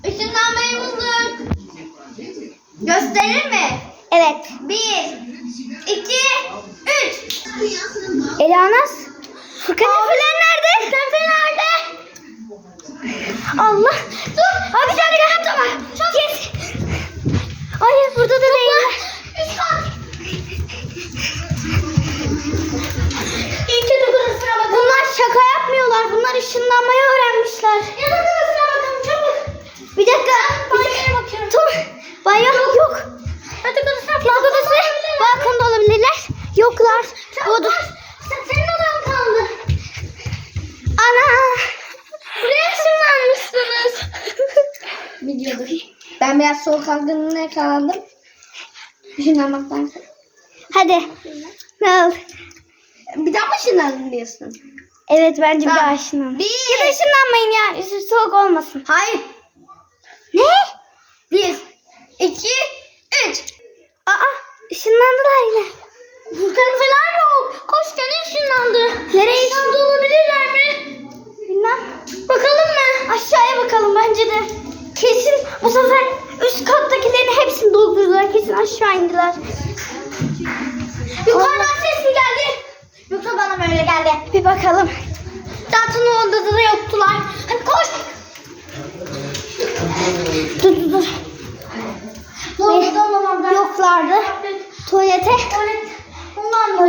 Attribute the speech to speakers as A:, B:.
A: Işınlanmayı bulduk. Gösterir mi?
B: Evet.
A: 1, 2, 3.
B: Elanaz. Kanepeler nerede?
A: Kanepe nerede?
B: Allah. Dur. Abi bir tane gel. Tamam. Git. Hayır burada da değil.
A: Üst kat. İlk kötü burasına bakın.
B: Bunlar şaka yapmıyorlar. Bunlar ışınlanmayı öğrenmişler.
A: Yatak odasına bakın çabuk.
B: Bir dakika.
A: Banyoya bakıyorum.
B: Dur. Banyo yok.
A: Yatak odasına
B: Yatak odası. Balkonda olabilirler. Yoklar. Oda.
A: Senin odan kaldı.
B: Ana.
A: Buraya ışınlanmışsınız.
B: Biliyordur. Ben biraz soğuk algınlığına yakalandım. Işınlanmaktan. Hadi. Ne oldu?
A: Bir daha mı ışınlandın diyorsun?
B: Evet bence bir
A: Tamam.
B: daha ışınlan.
A: Bir.
B: Ya da ışınlanmayın ya. Üstü soğuk olmasın.
A: Hayır.
B: Ne?
A: 1, 2, 3.
B: Aa ışınlandılar yine.
A: Furkan falan yok. Koş gene ışınlandı.
B: Nereye
A: ışınlandı olabilirler mi?
B: Bilmem.
A: Bakalım mı?
B: Aşağıya bakalım bence de. Kesin bu sefer üst kattakilerin hepsini doldurdular. Kesin aşağı indiler.
A: Yukarıdan ses mi geldi? Yoksa bana böyle geldi.
B: Bir bakalım.
A: Zaten o odada da yoktular. Hadi koş.
B: Dur.
A: Ne oldu? Tamam ben.
B: Yoklardı. Tuvalete.
A: Tuvalet. Ondan